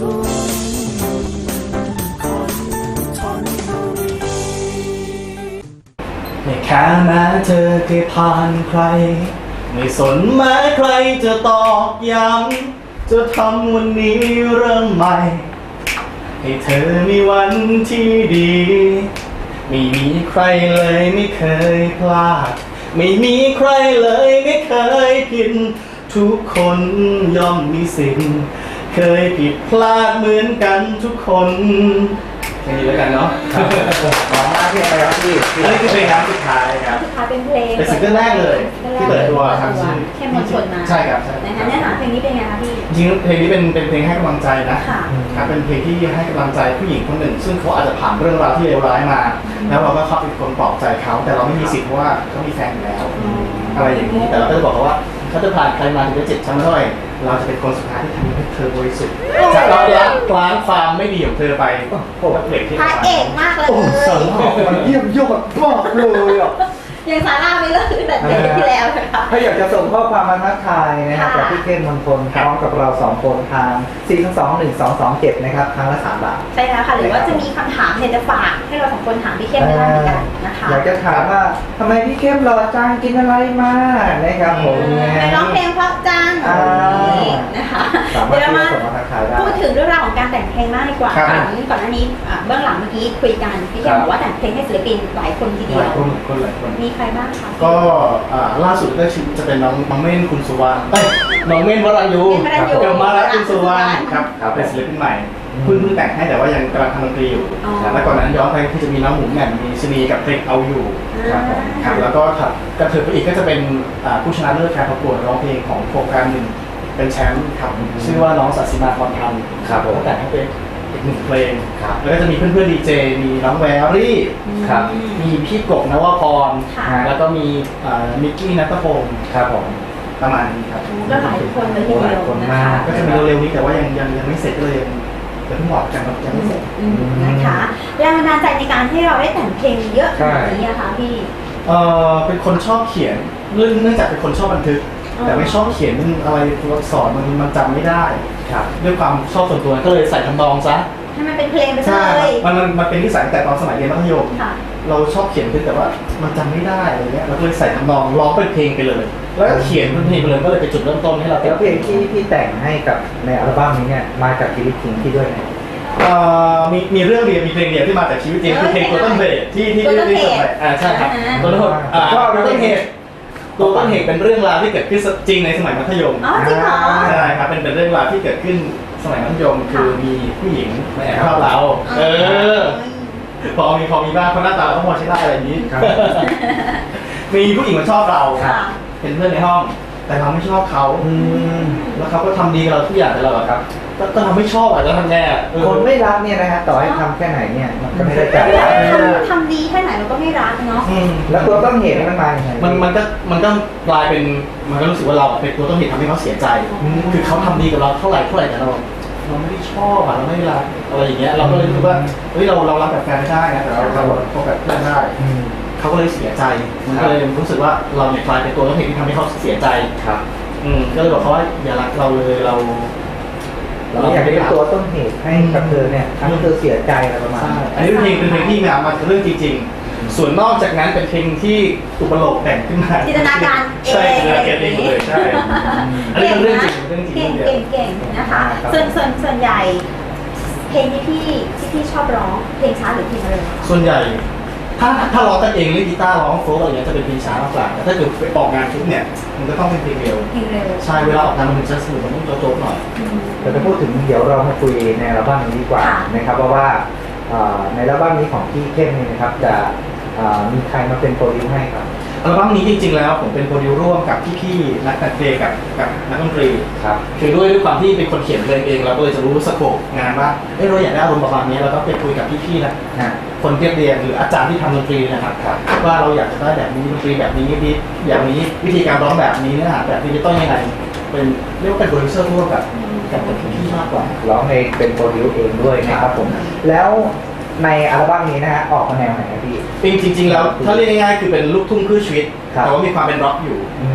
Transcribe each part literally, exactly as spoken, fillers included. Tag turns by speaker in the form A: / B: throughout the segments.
A: ไม่แค่แม้เธอเคยผ่านใครไม่สนแม้ใครจะตอกย้ำจะทำวันนี้เริ่มใหม่ให้เธอมีวันที่ดีไม่มีใครเลยไม่เคยพลาดไม่มีใครเลยไม่เคยผิดทุกคนย่อมมีสิ่งเคยผิดพลาดเหมือนกันทุกคนแค่นี้แล้วกันเนาะ
B: ขอบคุณมากที่ไปครับพี่
A: อันนี้คือเพลงครั้งสุดท้ายครับ
C: สุดท้ายเป็นเพลง
A: เป็นซิงเกิลแรกเลยที่เปิดตัวทางชื่อ
C: เข้มมนชนมา
A: ใช่ครับใช่
C: นะคะเนื้อหาเพลงนี้เป็นไงคะพี่
A: จริงเพลงนี้เป็นเป็นเพลงให้กำลังใจนะ
C: ค่ะ
A: ครับเป็นเพลงที่ให้กำลังใจผู้หญิงคนหนึ่งซึ่งเขาอาจจะผ่านเรื่องราวที่เลวร้ายมาแล้วเราก็เข้าเป็นคนปลอบใจเขาแต่เราไม่มีสิทธิ์เพราะว่าเขามีแฟนอยู่แล้วอะไรอย่างนี้แต่เราก็จะบอกเขาว่าเขาจะผ่านใครมาถึงจะเจ็บช้ำเท่าไหร่เราจะเป็นคนสุดท้ายที่ทำให้เธอบริสุทธิ์จะเราล้างล้างความไม่ดีของเธอไปโอ้โหเพลงที่
C: พระเอกมากเลย
B: โอ้สารมันเยี่ยมยอดมากเลยอ่ะ
C: ยังซาร่าไม่เลิกตั้งแต่เพลงที่แล้วนะคะ
B: ถ้าอยากจะส่งข้อความมาทักทายนะครับกับพี่เข้มมนทนพร้อมกับเราสองคนทางสี่ สอง สอง หนึ่ง สอง สอง เจ็ดนะครับครั้งละสามบาท
C: ใช่แล้วค่ะหรือว่าจะมีคำถามเนี่ยจะฝากให้เราสองคนถามพี่เข้มได้เหมือนกันนะคะ
B: อยากจะถามว่าทำไมพี่เข้มหล่อจังกินอะไรมานะครับผม
C: ไปร้องเพลงเพราะจังนะคะ
B: เดี๋ยวเรามา
C: พูดถึงเรื่องราวของการแต่งเพลงมากดีกว่าก่อนก่อนหน้านี้เบื้องหลังเมื่อกี้คุยกันพี่เข้มบอกว่าแต่งเพลงให้ศิลปินหลายคนทีเดียวมีใครบ้างคะ
A: ก็ล่าสุดก็จะเป็นน้องน้องเม่นคุณสุวรรณน้องเม่นวรัญญูกับมารัตคุณสุวรรณครับเป็นศิลปินใหม่เพิ่งเพิ่งแต่งให้แต่ว่ายังกำลังทำดนตรีอยู่แล้วก่อนนั้นย้อนไปที่จะมีน้องหมูแหม่มมีชนีกับเพลงเอาอยู่ครับแล้วก็ถัดกระเถิบไปอีกก็จะเป็นผู้ชนะเลิศการประกวดร้องเพลงของโครงการหนึ่งเป็นแชมป์ครับชื่อว่าน้องสัตย์สิมาพรพันธ์ครับผมแต่งให้เป็นอีกหนึ่งเพลงแล้วก็จะมีเพื่อนๆดีเจมีน้องแวรี่ครับมีพี่กบนวพรแล้วก็มีมิกกี้ณัฐพงศ์ครับผมประมาณนี้ครับ
C: ก็หลายคนเลยทีเดียวนะคะ
A: ก็จะมีเร็วๆนี้แต่ว่ายังยังยังไม่เสร็จเลยยังเพิ่งบอกกันว่ายังไม่เสร็จ
C: นะคะแรงบันดาลใจในการที่เราได้แต่งเพลงเยอะขนาดนี้นะคะพี่
A: เออเป็นคนชอบเขียนเรื่องเนื่องจากเป็นคนชอบบันทึกแต่ไม่ชอบเขียนอะไรตัวอักษรมันมันจำไม่ได้ครับด้วยความชอบส่วนตัวก็เลยใส่ทำนองซะ
C: ให้มันเป็นเพลงไป
A: เลยมันมันมันเป็นนิสัยแต่ตอนสมัยเรียนมัธยมเราชอบเขียนแต่ว่ามันจำไม่ได้อะไรเงี้ยเราก็เลยใส่ทำนองร้องเป็นเพลงไปเลยแล้วเขียนเป็นเพลงไปเลยก็เลยเป็นจุดเริ่มต้นให้เรา
B: แล้วเพลงที่พี่แต่งให้กับในอัลบั้มนี้เนี่ยมาจากชีวิตจริงที่ด้วยไหม
A: มีมีเรื่องเดียวมีเพลงเดียวที่มาจากชีวิตจริงคือเพลงตัวต้นเหตุที่ที่ที่ที่ส่งไปอ่าใช่ครับตัวต้นเหตุอ่าตัวต้นเหตุตัวต้นเหตุเป็นเรื่องราวที่เกิดขึ้นจริงในสมัยมัธยม
C: อ๋อจริงเหรอ
A: ใช่ครับเป็นเป็นเรื่องราวที่เกิดขึ้นสมัยมัธยมคือมีผู้หญิงมาแอบชอบเราเออพอมีพอมีบ้างเพราะหน้าตาเขาพอใช้ได้อะไรอย่างนี้มีผู้หญิงมาชอบเราเป็นเพื่อนในห้องแต่เราไม่ชอบเขาแล้วเขาก็ทำดีกับเราทุกอย่างแต่เราอะครับก็ทำไม่ชอบอาจจะทำแน่
B: คนไม่รักเนี่ยนะฮะต่อให้ทำแค่ไหนเนี่ยมันก็ไม่ได้ใจ
C: ทำดีแค่ไหนเราก็ไม่รักเนาะ
B: แล้วตัวต้นเหตุมันมาอย่างไร
A: มันมันก็มันก็กลายเป็นมันก็รู้สึกว่าเราเป็นตัวต้นเหตุทำให้เขาเสียใจคือเขาทำดีกับเราเท่าไหร่เท่าไหร่แต่เราเราไม่ได้ชอบอะเราไม่ได้รักอะไรอย่างเงี้ยเราก็เลยรู้สึกว่าเฮ้ยเราเรารักแบบแฟนไม่ได้นะแต่เราเราคบแบบเพื่อนได้เขาก็เลยเสียใจมันก็เลยรู้สึกว่าเราเนี่ยกลายเป็นตัวต้นเหตุที่ทำให้เขาเสียใจครับอืมก็เลยบอกเขาว่าอย่ารักเราเลยเรา
B: เราอยากเป็นตัวต้นเหตุให้กับเธอเนี่ยทำให้เธอเสียใจอะไรประมาณนี้
A: อันนี้เป็นเพลงเป็นเพลงที่มามาเรื่องจริงๆส่วนนอกจากนั้นเป็นเพลงที่อุปโลกแต่งขึ้นมา
C: จินตนาการเอง
A: ใช่จินตนาการเองเลยใช่อันนี้เป็นเรื่องจริงเรื่องจริง
C: เก่งเก่งนะคะส่วนส่วนส่วนใหญ่เพลงที่พี่ที่พี่ชอบร้องเพลงช้าหรือเพลงเร็ว
A: ส่วนใหญ่ถ้าถ้าร้องกันเองเล่นกีตาร์ร้องโฟล์อะไรเงี้ยจะเป็นเพลงช้ามากกว่าแต่ถ้าเกิดไปออกงานชุดเนี่ยมันก็ต้องเป็นเพลงเร็ว
C: เพลงเร็ว
A: ใช่เวลาออกงานมันจะสนุกมันต้องโจ๊กหน่อย
B: เราจะพูดถึงเดี๋ยวเรามาคุยในอัลบั้มนี้ดีกว่านะครับเพราะว่าในอัลบั้มนี้ของพี่เข้มเนี่ยนะครับจะมีใครมาเป็นโปรดิวให้ครับ
A: อัลบั้มนี้จริงๆแล้วผมเป็นโปรดิวร่วมกับพี่ๆนักแต่งเพลงกับกับนักดนตรีครับคือด้วยด้วยความที่เป็นคนเขียนเพลงเองเราก็เลยจะรู้สโคปงานว่าเออเราอยากได้อารมณ์ประมาณนี้เราก็ไปคุยกับพี่ๆนะคนเรียบเรียงหรืออาจารย์ที่ทำดนตรีนะครับว่าเราอยากจะได้แบบนี้ดนตรีแบบนี้ดีอย่างนี้วิธีการร้องแบบนี้เนื้อหาแบบนี้ต้องยังไงเป็นเรียกว่าเป็นโปรดิวเซอร์ร่วมกับกับพี่ๆมากกว่า
B: ร้องเองเป็นโปรดิวเองด้วยนะครับผมแล้วในอัลบั้มนี้นะฮะออกมาแนวไหนพี่
A: จริงจริงๆแล้วถ้าเรียกง่ายๆคือเป็นลูกทุ่งเพื่อชีวิตแต่ว่ามีความเป็นร็อกอยู่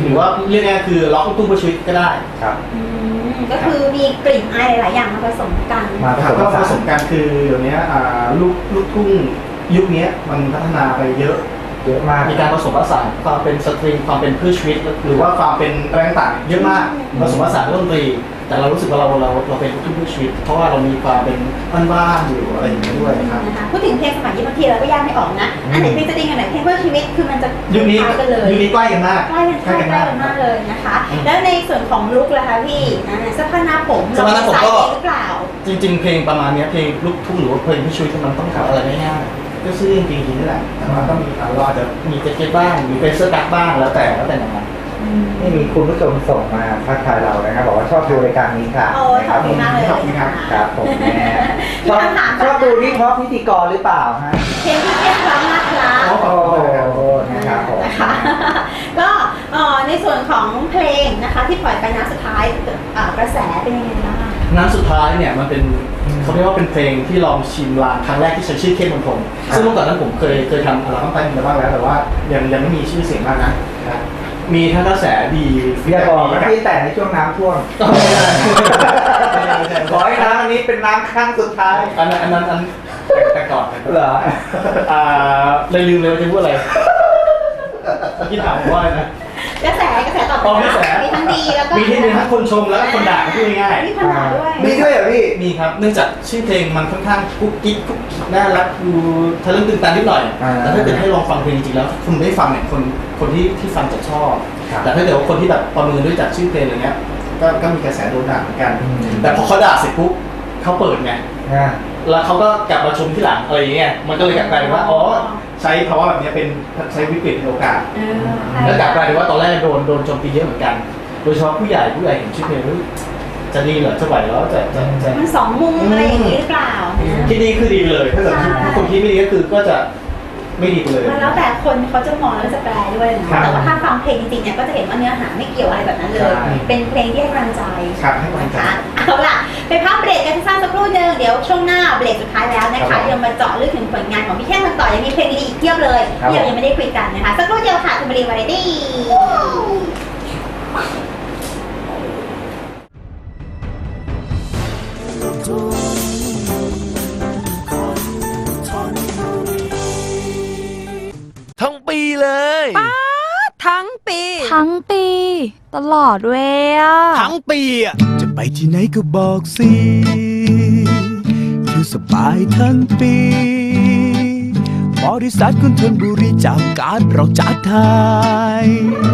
A: รือว่าเรียกง่ายๆคือล็อกลูกทุ่งเพื่อชีวิตก็ได้
B: ครับ
C: อืมก็คือมีกลิ่นอายหลายๆอย่างมาผสมกัน
B: มาผ
A: ค
B: ส
A: รับ
B: ม
A: ก็
B: ผ
A: ผ
B: สาน
A: สมกันคือเดี๋ยวนี้อ่าลูกลูกทุ่งยุคนี้มันพัฒนาไปเยอะ
B: เยอะมาก
A: มีการผสมผสานความเป็นสตริงความเป็นเพื่อชีวิตหรือว่าความเป็นแรงต่างเยอะมากผสมผสานเรื่องดนตรีแต่เรารู้สึกว่าเราเราเราเป็นลูกทุ่งเพื่อชีวิต เพราะว่าเรามีความเป็นบ้านๆอยู่อะไรอย่างนี้ด้วยครับ
C: นะคะพูดถึงเพลงสมัยนี้บางทีเราก็แยกไม่ออกนะอันไหนเพลงสตริงอันไหนเพลงเพื่อชีวิตคือมันจะ
A: ยุคนี้
C: คล้ายกันเลย
A: ยุคนี้ใกล้กันมาก
C: ใกล้กันใกล้กันมากเลยนะคะ แล้วในส่วนของลุคล่ะคะพี่อ่าเสื้อผ้าหน้าผม
A: เสื้อผ้าหน้าผม
C: ใส่
A: ก็
C: เองหรือเปล่า
A: จริงๆ เพลงประมาณเนี้ยเพลงลูกทุ่งหรือว่าเพลงเพื่อชีวิตมันต้องทำอะไรง่ายๆก็ซื้อจริงๆนี่แหละแต่ว่าต้องมีอ่ะเราอาจจะมีแจ็คเก็ตบ้างมีเป็นเสื้อกั๊กบ้างแล้วแต่แล้วแต่หนัง
B: นี่มีคุณผู้ชมส่งมาทักทายเรานะครับบอกว่าชอบดูรายการนี้ค่ะ
C: โอ้ย
B: นะ
C: ข
B: ค
C: อ
B: รั
C: บบ คุณมากเลย
A: ขอบคุณครับ
B: ครับผมแม่
C: มี
B: ชอบ
C: คำถาม
B: ชอบดูนี่เพราะพิธีกรหรือเปล่าฮะ
C: เพลงที่เรียกร้องนะครับ
A: อ๋อ
B: โอ้โหนะครับผม
C: นะคะก็เอ่อในส่วนของเพลงนะคะที่ปล่อยไปนะสุดท้ายอ่ากระแสเป็นยังไงบ้าง
A: น้ำสุดท้ายเนี่ยมันเป็นเขาเรียกว่าเป็นเพลงที่ลองชิมลางครั้งแรกที่ใช้ชื่อเข้มมณฑลซึ่งเมื่อก่อนนั้นผมเคยเคยทำอัลบั้มใต้ดินมาบ้างแล้วแต่ว่ายังยังไม่มีชื่อเสียงมากนะมีทั้งกระแสดี
B: อย่าบอกนะพี่แต่ในช่วงน้ำท่วม
A: ไม่ได้ไม่ได้ไม่ได้
B: ขอให้น้ำอันนี้เป็นน้ำครั้งสุดท้าย
A: อันนั้นอันนั้นอันแต่ก่อนแต่ก่อน
B: เหรอ
A: อ่าเลยลืมเลยว่าจะพูดอะไรเมื่อกี้ถามผมว่าอะไรนะ
C: กระแสกระแสตอบ
A: อ๋อกระแส
C: มีทั้งดีแล้วก็
A: มีที่มีทั้งคนชมแล้วก็คนด่าพูดง่าย
C: มีคนด่าด้วย
B: มีด้วยเหรอพี่
A: ๆมีครับเนื่องจากชื่อเพลงมันค่อนข้างกุ๊กกิ๊กกุ๊กกิ๊กน่ารักดูทะลึ่งตึงตันนิดหน่อย
B: อ่า
A: แต่ถ้าเกิดให้ลองฟังเพลงจริงๆแล้วคนได้ฟังเนี่ยคนคนที่ที่ฟังจะชอบ
B: ครับ
A: แต่ถ้าเกิดว่าคนที่แบบประเมินด้วยจากชื่อเพลงอะไรเงี้ยก็ก็มีกระแสโดนด่าเหมือนกัน
B: อืม
A: แต่พอเขาด่าเสร็จปุ๊บเขาเปิดไง
B: อ่า
A: แล้วเขาก็กลับมาชมที่หลังอะไรอย่างเงี้ย มันก็เลยกลับกลายเป็นว่า อ๋อ ใช้ภาวะแบบนี้เป็นใช้วิกฤตเป็นโอกาส
C: เออใช่
A: แล้วกลับกลายเป็นว่าตอนแรกโดนโดนโจมตีเยอะเหมือนกัน โดยเฉพาะผู้ใหญ่ผู้ใหญ่เห็นชื่อเพลงเฮ้ยจะดีเหรอ จะไหวแล้วจะจะจะ
C: มันสองมุมอะไรอย่างนี้หรือเปล่า
A: คิดดีคือดีเลย ถ้าเกิด
C: ใช่
A: คนคิดไม่ดีก็คือก็จะไม่ดีไปเลย
C: มันแล้วแต่คนเขาจะมองแล้วจะแปลด้วยเนาะ
A: ครับ
C: แต่ว่าถ้าฟังเพลงจริงๆเนี่ยก็จะเห็นว่าเนื้อหาไม่เกี่ยวอะไรแบบนั้นเลย
A: ใช่
C: เป็นเพลงที่ให้กำลังใจ
A: ครับให้กำลังใจ
C: นะคะเอาล่ะ ไปพักเบรกกันสั้นสักครู่หนึงเดี๋ยวช่วงหน้าเบรกสุดท้ายแล้วนะ
A: ครั
C: คะ
A: บผม
C: ยังมาเจาะลึกถึงผลงานของพี่แค่กันต่อยังมีเพลงดีๆอีกเพียบเลย
B: ครับ
C: ที่เรายังไม่ได้คุยกันนะคะสักครู่เดียวค่ะคุณบรีวาไรตี้
D: ทั้งปีเลย
E: ทั้งปี
F: ทั้งปี ตลอดเวยอ่ะ
D: ทั้งปีอ่ะ
G: จะไปที่ไหนก็บอกสิคือสบายทั้งปี บริษัทคุณทนบุรีจากการเราจัดไทย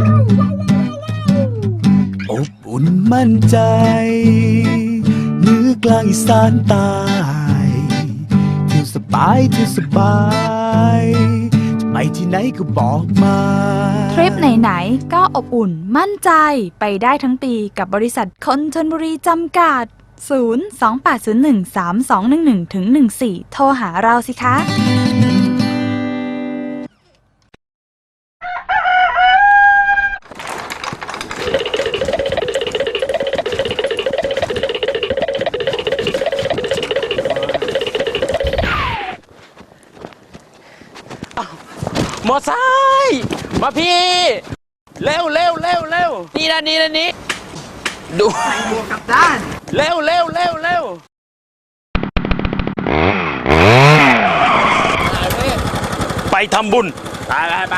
G: อบอุ่นมั่นใจเหนือกลางอีสานใต้เที่ยวสบายเที่ยวสบายจะไปที่ไหนก็บอกมา
F: ทริปไหนๆก็อบอุ่นมั่นใจไปได้ทั้งปีกับบริษัทคนชนบุรีจำกัด ศูนย์ สอง แปด ศูนย์ หนึ่ง สาม สอง หนึ่ง หนึ่ง ถึง หนึ่ง สี่ โทรหาเราสิคะ
D: มอไซค์มาพี่ เร็วเร็วเร็วเร็วนี่นะนี่นะนี่ดูกับด้านเร็วเร็วเร็วเร็วไปทำบุญไปไปไป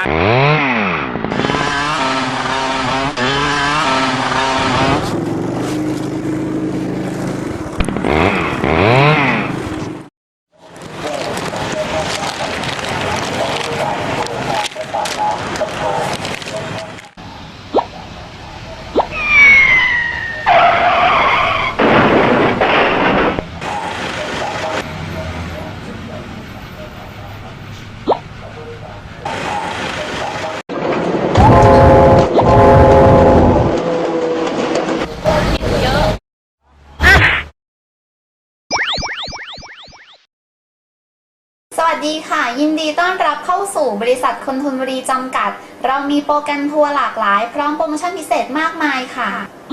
H: สวัสดีค่ะ ยินดีต้อนรับเข้าสู่บริษัทคนทุนบุรีจำกัด เรามีโปรแกรมทัวร์หลากหลาย พร้อมโปรโมชั่นพิเศษมากมายค่ะ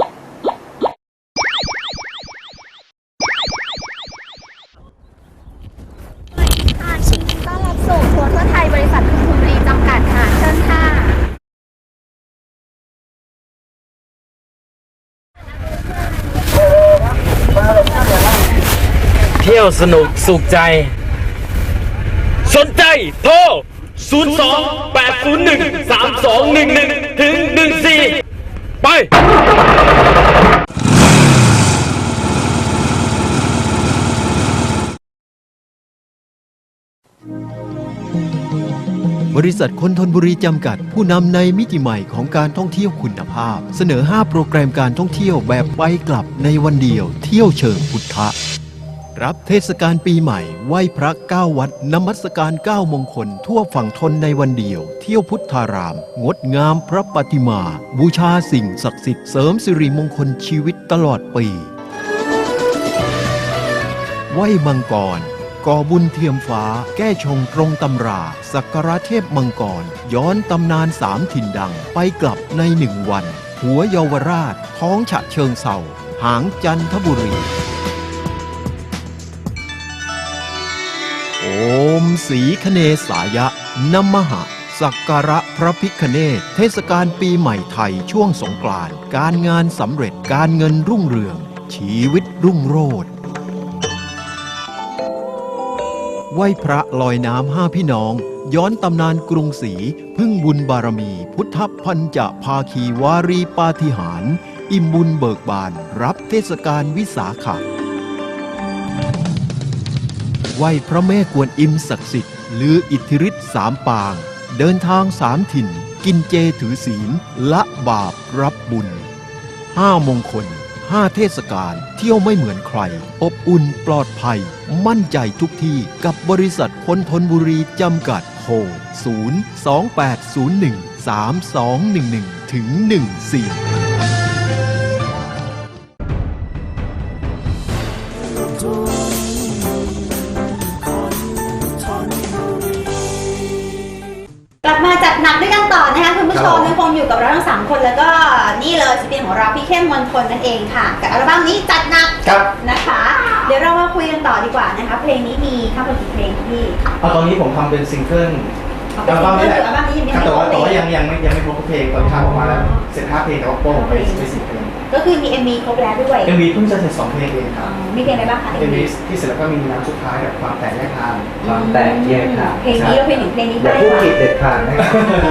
H: ต้อนรับสู่ทัวร์ทั่วไทยบริษัทคนทุนบุรีจำกัดค่ะเชิญค่ะ
D: เที่ยวสนุกสุขใจ สนใจโทร ศูนย์ สอง แปด ศูนย์ หนึ่ง สาม สอง หนึ่ง หนึ่ง ถึง หนึ่ง สี่ ไป
I: บริษัทคนทนบุรีจำกัดผู้นำในมิติใหม่ของการท่องเที่ยวคุณภาพ เสนอ ห้า โปรแกรมการท่องเที่ยวแบบไปกลับในวันเดียวเที่ยวเชิงพุทธะรับเทศกาลปีใหม่ไหว้พระเก้าวัดนมัสการเก้ามงคลทั่วฝั่งทนในวันเดียวเที่ยวพุทธาราม งดงามพระปฏิมา บูชาสิ่งศักดิ์สิทธิ์เสริมสิริมงคลชีวิตตลอดปีไหว้มังกรก่อบุญเทียมฟ้าแก้ชงตรงตำราสักการะเทพมังกรย้อนตำนานสามถิ่นดังไปกลับในหนึ่งวัน หัวเยาวราชท้องฉะเชิงเศร้าหางจันทบุรีโอมสีคเนสายะนมหะสักการะพระพิฆเนศเทศกาลปีใหม่ไทยช่วงสงกรานต์การงานสำเร็จการเงินรุ่งเรืองชีวิตรุ่งโรจน์ไหว้พระลอยน้ำห้าพี่น้องย้อนตำนานกรุงศรีพึ่งบุญบารมีพุทธพันจะภาคีวารีปาฏิหาริย์อิ่มบุญเบิกบานรับเทศกาลวิสาขะไหว้พระแม่กวนอิมศักดิ์สิทธิ์ลืออิทธิฤทธิ์สามปางเดินทางสามถิ่นกินเจถือศีลละบาปรับบุญห้ามงคลห้าเทศกาลเที่ยวไม่เหมือนใครอบอุ่นปลอดภัยมั่นใจทุกที่กับบริษัทคนทนบุรีจำกัดโทร ศูนย์ สอง แปด ศูนย์ หนึ่ง สาม สอง หนึ่ง หนึ่ง ถึง หนึ่ง สี่
C: กลับมาจัดหนักด้วยกันต่อนะคะคุณผู้ชมยังคงอยู่กับเราทั้งสามคนแล้วก็นี่เลยศิลปินของเราพี่เข้มมนทนนั่นเองค่ะกับอัลบั้มนี้จัดหนักนะคะ เดี๋ยวเรามาคุยกันต่อดีกว่านะคะเพลงนี้มีทั้งหมดกี่เพลงคะพี่
A: เอาตอนนี้ผมทำเป็นซิงเกิล
C: อัลบั้มนี้แหละอัลบั้มนี้ยังไม่
A: แต่
C: คร
A: ว่า
C: บ
A: แต่
C: เพล
A: ว่าง ยังยังไม่ยังไม่ครบทุกเพลงตอนนี้ทำออกมาแล้วเสร็จห้าเพลงแต่ว่าโป้ผมไปไปสิบเพลง
C: ก็คือมี เอ็ม วี ครบแล้วด้วย
A: เอ็มวีเพิ่งจะเสร็จสองเพลงเองครับ
C: มีเพลงอะไรบ้างคะ
A: เอ็มวีที่เสร็จแล้วก็มีน้ำสุดท้ายกับความแตกแยกทาง
B: ความแตกแยกทาง
C: เพลงนี้เราเพลงหนึ่งเพลงนี้
B: อย่า
C: ได้
B: พูด
C: ค่ะ
B: ผิดเด็ดขาดนะครับ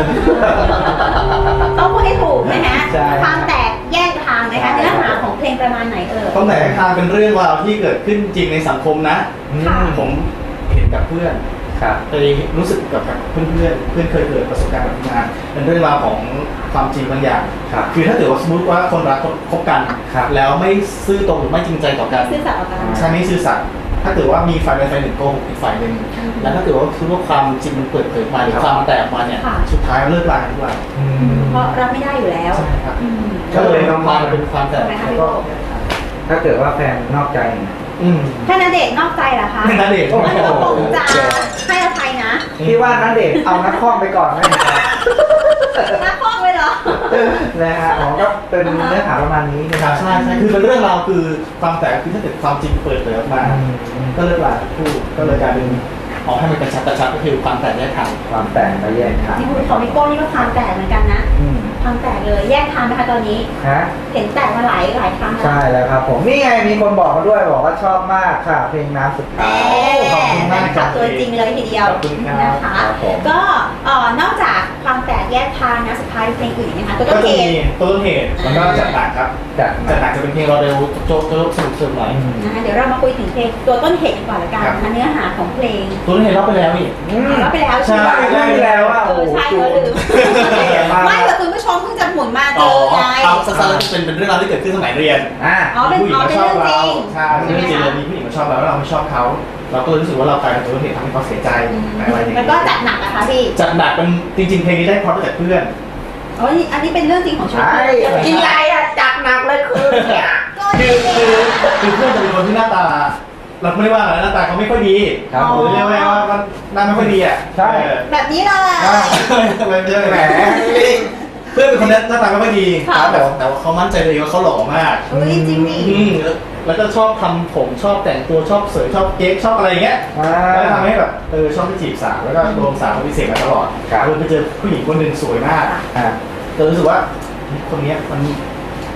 C: ต้องพูดให้ถูกนะฮะ
B: ใช่
C: ความแตกแยกทางนะคะเนื้อหาของเพลงประมาณไหนเอ่ย
A: ความแตกแยกทางเป็นเรื่องราวที่เกิดขึ้นจริงในสังคมนะ
C: ค่ะ
A: ผมเห็นกับเพื่อน
B: ครับ
A: เคยรู้สึกกับเพื่อนเพื่อนเพื่อนเคยเกิดประสบการณ์แบบนี้มาเป็นเรื่องราวของความจริงบางอย่าง
B: ครับ
A: คือถ้าเกิดว่าสมมติว่าคนรักคบกัน
B: ครับ
A: แล้วไม่ซื่อตรงหรือไม่จริงใจต่อกัน
C: ซื่อสัตย์ต่อกัน
A: ใช่ไม่ซื่อสัตย์ถ้าเกิดว่ามีฝ่ายใดฝ่ายหนึ่งโกหกอีกฝ่ายหนึ่งแล้วถ้าเกิดว่าคือว่าความจริงมันเปิดเผยมาหรือความแตกมาเนี่ย
C: ค่ะ
A: สุดท้ายเลิกลากันทุกวัน
C: เพราะรับไม่ได้อยู่แล้ว
A: ใช่ครับ
C: อืม
A: ก็เลยนำมาเป็นความแตก
C: ใช่ไหมคะ
A: แล้วก็
B: ถ้าเกิดว่าแฟนนอกใจ
A: อืม
C: ถ้าณเดชน์นอกใจเหรอคะ
A: ณเดชน์
C: อันนี้ก็คงจะให้อภัยนะ
B: พี่ว่านันเดชน์เอานักข้อมไปก่อนไหมครับ
C: นักฟ้องเลยเหรอ
B: นะฮะอ๋อก็เป็นเนื้อหาประมาณนี้นะ
A: ค
B: ค
A: รั
B: รั
A: บบ ใช่ใช่คือเป็นเรื่องราวคือความแตกคือถ้าเกิดความจริงเปิดเผยออกมา
B: อืม
A: ก็เลิกลาทั้งคู่ก็เลยกลายเป็นออกให้มันกระชับกระชับก็คือความแตกแยกทาง
B: ความแตกและแยกทาง
C: นี่คุณของพี่โก้นี่ก็ความแตกเหมือนกันนะ
B: อืม
C: ความแตกเลยแยกทางนะคะตอนนี้
B: ฮะ
C: เห็นแตกมาหลายหลายครั้งแล้ว
B: ใช่แล้วครับผมนี่ไงมีคนบอกมาด้วยบอกว่าชอบมากค่ะ เพลงน้ำสุดท้ายขอบคุณมาก
C: แฟนคลับตัวจริงเลยทีเดียว
B: ขอบคุณครับ
C: นะคะ
B: ครับผม
C: ก็เอ่อนอกจากความแตกแยกทางนะสุดท้ายเพลงอื่นนะคะตัว
A: ก็
C: ต้น
A: จะ
C: เห
A: มี
C: ตุ
A: ต้นเหตุแล้วก็จัดหนักครับ
B: จัด
A: จัดหนักจะเป็นเพลงเราเร็วโจ๊กโจ๊กสนุกสนุกหน่อย
B: อืม
C: นะคะเดี๋ยวเรามาคุยถึงเพลงตัวต้นเหตุกันก่อนละกันนะคะเนื้อหาของเพลง
A: ต้นเหตุเราไปแล้วนี่
B: อืม
C: เราไปแล้ว
A: ใช่
C: ไหม
B: ได้แล้วอ่ะ
C: เอ
B: โอ้
C: อ
B: โห
C: ใช่
B: จู
C: เรา
B: น
C: ลืมไม่แต่คุณผู้ชมเพิ่งจะหมุนมาเจ
A: อ๋อ
C: อไง
A: เอาสั้นๆแล้วเป็นเป็นเรื่องราวที่เกิดขึ้นสมัยเรียน
B: อ่ะ
C: อ๋อเป็น
A: ผู้หญิง
C: อ๋อ
A: มา
C: เป็น
A: ชอบ
C: เรื่องจ
A: เรา
C: ริง
A: ใช่เป็นเรื่องจริงเลยมีผู้หญิงมาชอบเราแล้วเราไม่ชอบเขาเราก็เลยรู้สึกว่าเรากลายเป็นต้นเหตุทำให้เขาเสียใจอะไรอย่าง
C: แล้ว
A: เงี้
C: ก็
A: ย
C: จัดหนักนะคะพี่
A: จัดหนักเป็นจริงๆเพลงนี้ได้เพราะมาจากเพื่อน
C: อ๋อนี่อันนี้เป็นเรื่องจริงของชีวิต
B: ใช่
C: จริง
B: ใหญ่อะจัดหนักเลยคือเนี่ย
C: ก็
A: คื
C: ดี
A: อคือคือเพื่อนจะเป็นคนที่หน้าตา เราไม่ได้ว่าอะไรหน้าตาเขาไม่ค่อยดี
B: ครับ
A: หรือเรียกว่าว่าหน้าไม่ค่อยดีอ่ะ
B: ใช่
A: เออ
C: แบบนี้เลย
A: อ่าไม่ใช่แหมเพื่อนเป็นคนหน้าตาไม่ค่อยดี
C: ค่ะ
A: แต่ว่าแต่ว่าเขามั่นใจเลยว่าเขาหล่อมาก
C: เฮ้ยจริงดิ
A: อืมแล้วแล้วก็ชอบทำผมชอบแต่งตัวชอบเสยชอบเก๊กชอบอะไรอย่างเงี้ย
B: อ่า
A: แล้วทำให้แบบเออชอบไปจีบสาวแล้วก็โดนสาวพิเศษมาตลอด
B: ครับ
A: เออไปเจอผู้หญิงคนหนึ่งสวยมาก
B: อ่ะ
A: ก็รู้สึกว่าคนเนี้ยมัน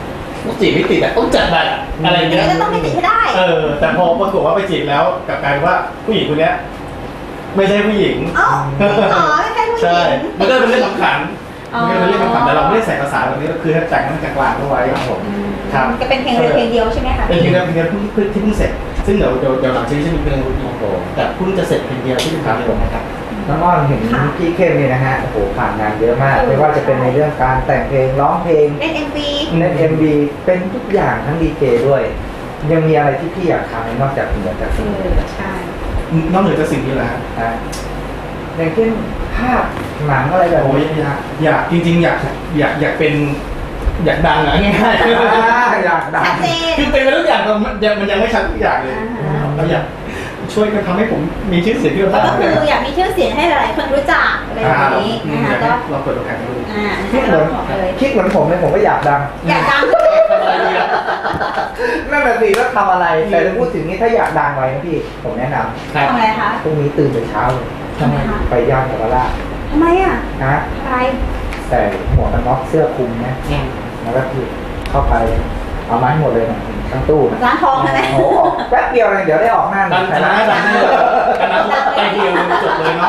A: จีบไม่ติดอะต้องจัดแบบอะไรเงี้ย
C: ก็ต้องไม่ติดให้ได้
A: เออแต่พอปรากฏว่าไปจีบแล้วกลับกลายเป็นว่าผู้หญิงคนเนี้ยไม่ใช่ผู้หญิง
C: อ๋ออ๋อไม่ใช่ผู้ห
A: ใช่
C: ญิง
A: มันก็เป็นเรื่องขำขัน
C: อ๋อ
A: มันก็เป็นเรื่องขำขันแต่เราไม่ได้ใส่ภาษาแบบนี้ก็คือแต่งให้มันกลางๆเอาไว้ครับผม ครับ
C: จะเป็นเพลงเดียวเพลงเดียวใช่ไหมคะ
A: เป็นเพลงเดียวเพลงเดียวที่เพิ่งที่เพิ่งเสร็จซึ่งเดี๋ยวเดี๋ยวเดี๋ยวหลังจากนี้จะมีเพลงรุ่นโตแต่เพิ่งจะเสร็จเพลงเดียวที่เป็นเพลงเดียวนะครับ
B: น้องอ้อนเห็นพี่เข้มนี่นะฮะโอ้โหผ่านงานเยอะมาก ไม่ว่าจะเป็นในเรื่องการแต่งเพลงร้องเพลง
C: เล่นเอ็มวี
B: เล่นเอ็มวีเป็นทุกอย่างทั้งดีเจด้วย ยังมีอะไรที่พี่อยากทำไหมนอกจากเหนือจาก
C: เอ
B: สิ่งนี้
C: อใช่
A: นอกเหนือจากสิ่งนี้แล้ว
B: นะอย่างเช่นภาพหนังอะไรแบบ
A: โอ้ย
B: นี้
A: อยากอยากจริงๆ อยากอยากอยากเป็นอยากดังอะง่ายๆ
B: อยากดั
C: ชั
B: ง
C: ดเจน
A: คือเป็นไปทุกอย่างแต่มันยังมันยังไม่ชัดทุกอย่างเลย
C: อ่าฮะ
A: เราอยากช่วยกันทำให้ผมมีชื่อเสียงที่เรา
C: ก็
A: ตั้ง
C: คืออยากมีชื่อเสียงให้หลายๆคนรู้จักอะไรแบบนี้นะคะก็
A: เราเปิดโอกาสให้ดู
C: อ่า
B: คิดเหมือน
C: บอกเลย
B: คิดเหมือนผมเลยผมก็อยากดัง
C: อยากดัง
A: ทำอะไรดีอะ
B: นั่นแหละสิว่าทำอะไรแต่ถ้าพูดถึงนี้ถ้าอยากดังไว้นะพี่ผมแนะน
A: ครับ
C: ทำอะไรคะ
B: ำพรุ่งนี้ตื่นแต่เช้าเลย
C: ทำไมคะ
B: ไปย่านเยาวราช
C: ทำไมอ่ะ
B: นะ
C: อะไร
B: แต่หมวกกันน็อกเสื้อคลุมนะแล้วก็คือเข้าไปเอามาให้หมดเลยนะทั้งตู้นะ
C: ร้านทองใช่ไหม
B: โอ้โหแป๊บเดียวเลยเดี๋ยวได้ออกหน้าห
A: ดั
B: นึ่
A: ง
B: ง
A: ชนะดังเลยชนะไปเดียวจบเลยเนาะ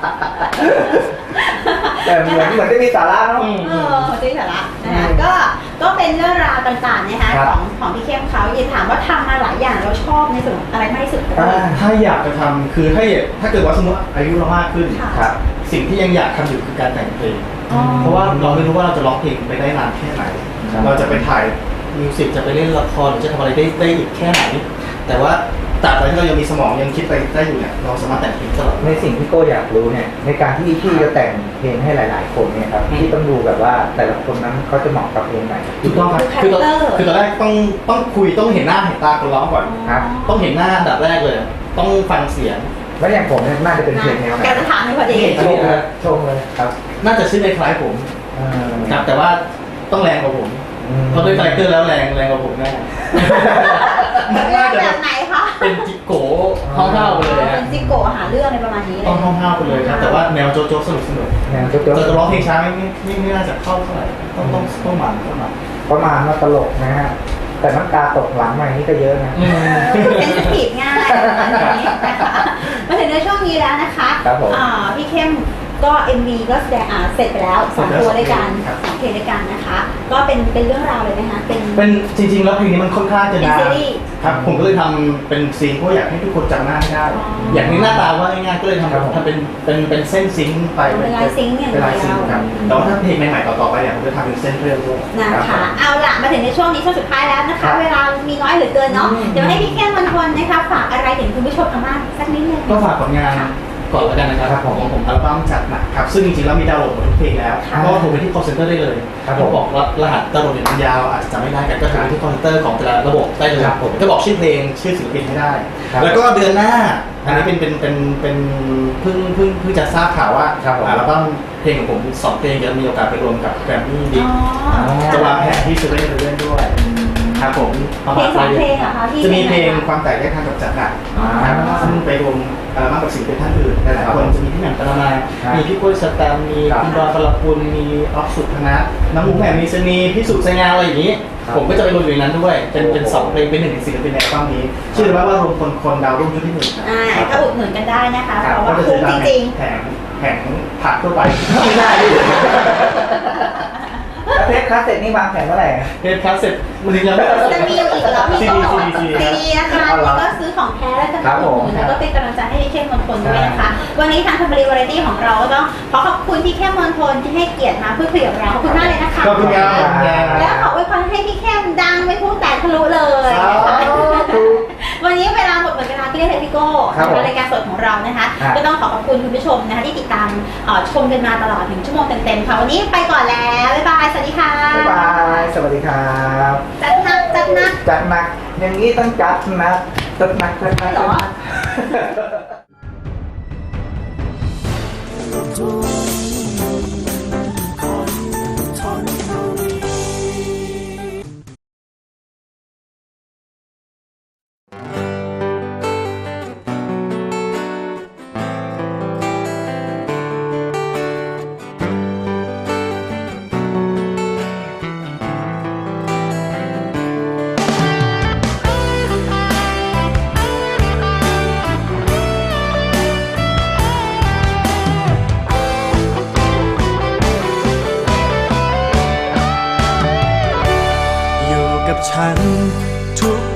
B: แต่เหมือนเหมือนจะมีสาระเนาะ
A: อืม
C: เออเขาจะสาระนะคะก็ก็เป็นเรื่องราวต่างๆนะคะ
B: ครับ
C: ของของพี่เข้มเขาอย่าถามว่าทำมาหลายอย่างเราชอบในส่วนอะไรมากที่สุดคะ
B: อ่า
A: ถ้าอยากจะทำคือถ้าถ้าเกิดว่าสมมติอายุเรามากขึ้น
C: ค่ะ
B: ครับ
A: สิ่งที่ยังอยากทำอยู่คือการแต่งเพลง
C: อ๋อ
A: เพราะว่าเราไม่รู้ว่าเราจะร้องเพลงไปได้นานแค่ไหน
B: ครับ
A: เราจะไปถ่ายมิวสิกจะไปเล่นละครหรือจะทำอะไรได้ได้อีกแค่ไหน แต่ว่าตราบใดที่เรายังมีสมองยังคิดไปได้อยู่เนี่ยเราสามารถแต่งเพลงตลอด
B: ในสิ่งที่โก้อยากรู้เนี่ยในการที่พี่จะแต่งเพลงให้หลาย ๆ คนเนี่ยครับ
A: อืม
B: พี่ต้องดูแบบว่าแต่ละคนนั้นเขาจะเหมาะกับเพลงไหน
A: ถูกต้องครับคือตอนคือตอนแรกต้องต้องคุยต้องเห็นหน้าเห็นตาคนร้องก่อน
B: ครับ
A: ต้องเห็นหน้าอันดับแรกเลย ต้องฟังเสียง
B: แล้วอย่างผมเนี่ยน่าจะเป็นเพลงแนวไหน
C: แกจะถามให้พอดี
B: ชงเลยชงเลยครับ
A: น่าจะชื่อในคล้ายผม
B: เอ่อ
A: ครับแต่ว่าต้องแรงกว่าผม
B: อืม
A: เพราะด้วยคาแรคเตอร์แล้วแรงแรงกว่าผมแน่
C: เรื่
A: น่า
C: อง
A: จะ
C: แบ
A: แบบ
C: บไหนคะ
A: เป็นจิโก้ห้าวๆไปเลย
C: เป็
A: ฮะ
C: นซิโกะหาเรื่องอะไรประมาณนี้เล
A: ต้อง
C: ย
A: ห้าวๆไปเลยครับแต่ว่าแนวโจ๊กๆสนุกสนุก
B: แนวโจ๊ก
A: จะร้องเพลงช้าไม่ไม่ไม่ไม่น่าจะเข้าเท่าไหร่ต้องต้องต้องมันต้องมัน
B: ๆประมาณว่าตลกนะฮะแต่น้ำตาตกหลังมาอย่างนี้ก็เยอะนะ
C: เป็นสปีดง่ายประมาณนี้นะคะมาถึงในช่วงนี้แล้วนะคะ
B: ครับผม
C: อ่าพี่เข้มก็ เอ็ม วี ก็แสดงอ่าเสร็จไปแล้วสองตัวด้วยกัน
A: ครับ
C: สองเพลงด้วยกันนะคะ ก็เป็นเป็นเรื่องราวเลยนะคะเป็น
A: เป็นจริงๆแล้วเพลงนี้มันค่อนข้างจะ
C: เป็น
A: นาน
C: ซีรีส์
A: ครับผมก็เลยทำเป็นซีนเพราะอยากให้ทุกคนจำหน้าให้ได้
C: อ๋อ
A: อ
C: อ
A: ยากให้หน้าตาว่าง่ายๆก็เลย
B: ครับผม
A: ทำทำเป็นเป็นเป็นเส้นซิงค์ไป
C: เป็นลายซิงค์อย่างเดี
A: เป็
C: ยว
A: นลายซิงค์ครับแต่ว่าถ้าเพลงใหม่ๆต่อๆไปเนี่ยผมจะทำเป็นเส้นเรื่องด้วย
C: นะคะ เอาล่ะมาถึงในช่วงนี้ช่วงสุดท้ายแล้วนะคะ เวลามีน้อยเหลือเกินเนาะ
B: อืม
C: เดี๋ยวให้พี่เข้มวันทนนะคะฝากอะไรถึงคุณผู้ชมทางบ้านสักนิดนึง
A: ก็ฝากผลงานก่อนแล้วกันนะครับ
B: ครับผม
A: ของผมอัลบั้มจัดหนักครับซึ่งจริงๆแล้วมีดาวน์โหลดหมดทุกเพลงแล้ว
B: ครับ
A: ก็โทรไปที่ call center ได้เลย
B: ครับผม
A: ก็บอกว่ารหัสดาวน์โหลดเนี่ยมันยาวอาจจะจำไม่ได้กันก็โทรไปที่ call center ของแต่ละระบบได้เลย
B: ครับผม
A: ก็บอกชื่อเพลงชื่อศิลปินให้ได้
B: ครับ
A: แล้วก็เดือนหน้าอันนี้เป็นเป็นเป็นเป็นเพิ่งเพิ่งเพิ่งจะทราบข่าวว่า
B: ครับผม
A: อัลบั้มเพลงของผมสองเพลงจะมีโอกาสไปรวมกับแกรมมี่ดิ
C: อ๋อ
A: จะวางแผนที่จะเล่นเล่นด้วยครับผมประ
C: เพล
A: มาณ
C: งสองเพลงเหรอคะที่
A: จะมีเพลง
C: ไหนคะ
A: ความแตกแยกทางกับจัดหนัก
C: อ๋อ
A: ครับซึ่งไปรวมอัลบั้มกับศิลปินท่านอื่นหลายๆคนจะมีพี่แหม่มปรมา
B: ครับ
A: มีพี่กล้วยสแตมมี
B: ครับ
A: คุณดอนพลคุณมีออฟสุธนะน้ำมูกแหม่มมีสนีพี่สุไซงาอะไรอย่างนี้
B: ครับ
A: ผมก็จะไปรวมอยู่ในนั้นด้วยเป็นเป็นสองเพลงเป็นหนึ่งในศิลปินในอัลบั้มนี้ ชื่อว่ารวมคนคนดาวรุ่งชุดที่หนึ่งครับ
C: อ่า
A: ครับ
C: ก็อุดหนุนกันได้นะคะ
A: ค
C: เพ
A: รับ
C: ราะว่า
A: ก็จะ
C: คุ้ม
A: ตาม
C: จริง
A: แผงแผงผักทั่วไปไม่ได้ดิ
B: แล้วเทปคาสเซ็ตนี่วางแผนเมื่อไหร่
A: เพลงคลาสเซ็ตมันยังไม่
C: ๆจะมีอยู่อีกแล้วพี่
A: ซี
C: ก็
A: ดี
C: บอก
A: ซีดีซีดี
C: ซีดีนะคะ
B: เอา
C: นี่
B: ละ
C: ก็ซื้อของแท้แล้วจะ
B: ครับ
C: มาอุดหนุน
B: ผม
C: แล้วก็เป็นกำลังใจให้พี่เข้มมณฑลด้วยนะคะ วันนี้ทางทัมบรีวาไรตี้ของเราก็ต้องขอขอบคุณพี่เข้มมณฑลที่ให้เกียรติมาพูดคุยกับเราขอบคุณมากเลยนะคะ
A: ขอบคุณครับ
C: แล้วขออวยพรให้พี่เข้มดังไม่พุ่งแตกทะลุเลยนะคะ วันนี้เวลาหมดหมดเวลาที่ได้เลยพี่โก้
B: ครับผม
C: รายการสดของเรานะคะ
B: ครับ
C: ก็ต้องขอขอบคุณคุณผู้ชมนะคะที่ติดตามเอ่อชมกันมาตลอดหนึ่งชั่วโมงเต็มๆค่ะวันนี้ไปก่อนแล้วบ๊ายบายสวัสดีค่ะ
B: บ๊ายบายสวัสดีครับ
C: จัดหนักจัดหนัก
B: จัดหนักอย่างนี้ต้องจัดหนักจัดหนักจัดหนัก
C: เหรอ
G: เ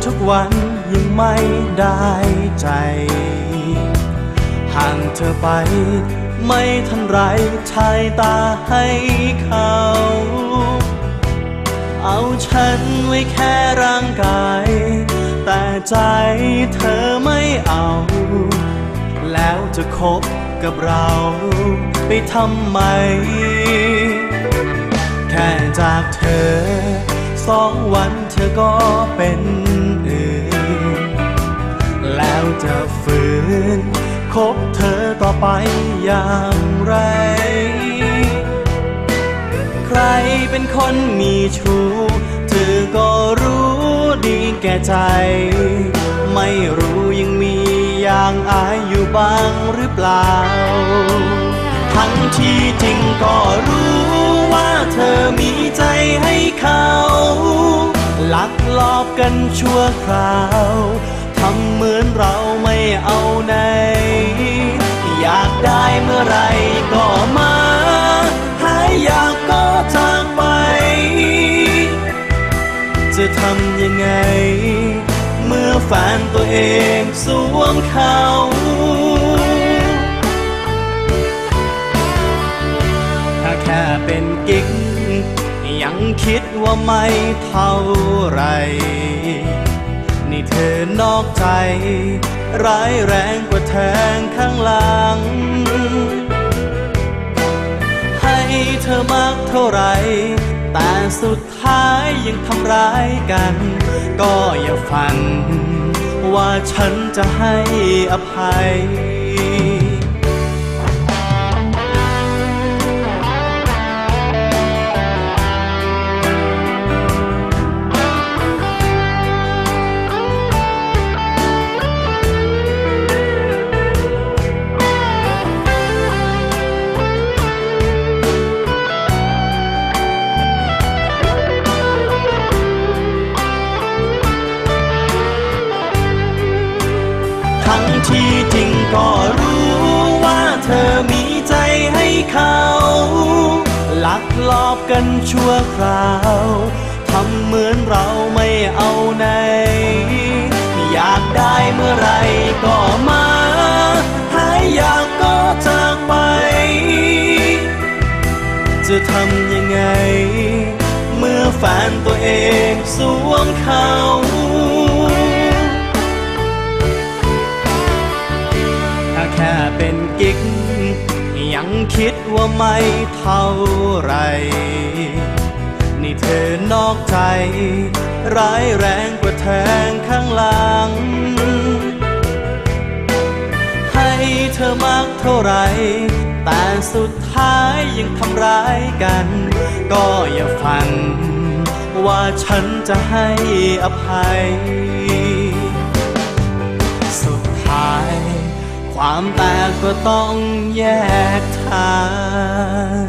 G: ทุกวันยังไม่ได้ใจห่างเธอไปไม่ทันไรชายตาให้เขาเอาฉันไว้แค่ร่างกายแต่ใจเธอไม่เอาแล้วจะคบกับเราไปทำไมแค่จากเธอสองวันเธอก็เป็นอื่นแล้วจะฝืนคบเธอต่อไปอย่างไรใครเป็นคนมีชู้เธอก็รู้ดีแก่ใจไม่รู้ยังมีอย่างอายอยู่บ้างหรือเปล่าทั้งที่จริงก็รู้ว่าเธอมีใจให้เขาลักลอบกันชั่วคราวทำเหมือนเราไม่เอาไหนอยากได้เมื่อไรก็มาหายอยากก็จากไปจะทำยังไงเมื่อแฟนตัวเองสวมเขาถ้าแค่เป็นกิ๊กยังคิดว่าไม่เท่าไรนี่เธอนอกใจร้ายแรงกว่าแทงข้างหลังให้เธอมากเท่าไรแต่สุดท้ายยังทำร้ายกันก็อย่าฝันว่าฉันจะให้อภัยที่จริงก็รู้ว่าเธอมีใจให้เขาลักลอบกันชั่วคราวทำเหมือนเราไม่เอาไหนอยากได้เมื่อไรก็มาหายอยากก็จากไปจะทำยังไงเมื่อแฟนตัวเองสวมเขาแค่เป็นกิ๊กยังคิดว่าไม่เท่าไรนี่เธอนอกใจร้ายแรงกว่าแทงข้างหลังให้เธอมากเท่าไรแต่สุดท้ายยังทำร้ายกันก็อย่าฝันว่าฉันจะให้อภัยสุดท้ายความแตกก็ต้องแยกทาง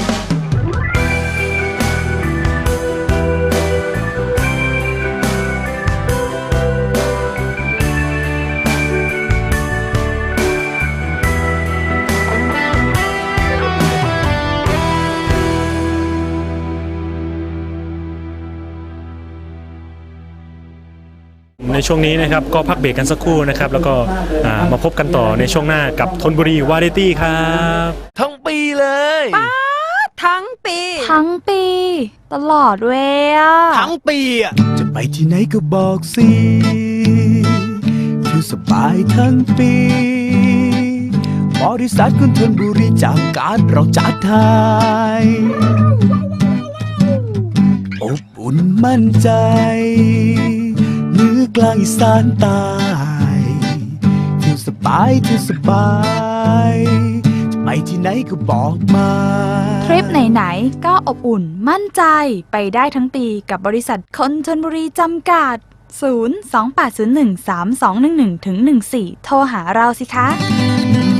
J: ในช่วงนี้นะครับก็พักเบรกกันสักครู่นะครับแล้วก็มาพบกันต่อในช่วงหน้ากับธนบุรีวาไรตี้ครับ
I: ทั้งปีเลย
E: ป้าทั้งปี
F: ทั้งปีตลอดเว้ยอะ
I: ทั้งปีอะ
G: จะไปที่ไหนก็บอกสิอยู่สบายทั้งปีบริษัทคนธนบุรีจากการเราจัดไทยอบอุ่นมั่นใจเหนือกลางอีสานใต้เที่ยวสบายเที่ยวสบายจะไปที่ไหนก็บอกมา
F: ทริปไหนๆก็อบอุ่นมั่นใจไปได้ทั้งปีกับบริษัทคนชลบุรีจำกัดศูนย์ สอง แปด ศูนย์ หนึ่ง สาม สอง หนึ่ง หนึ่ง ถึง หนึ่ง สี่โทรหาเราสิคะ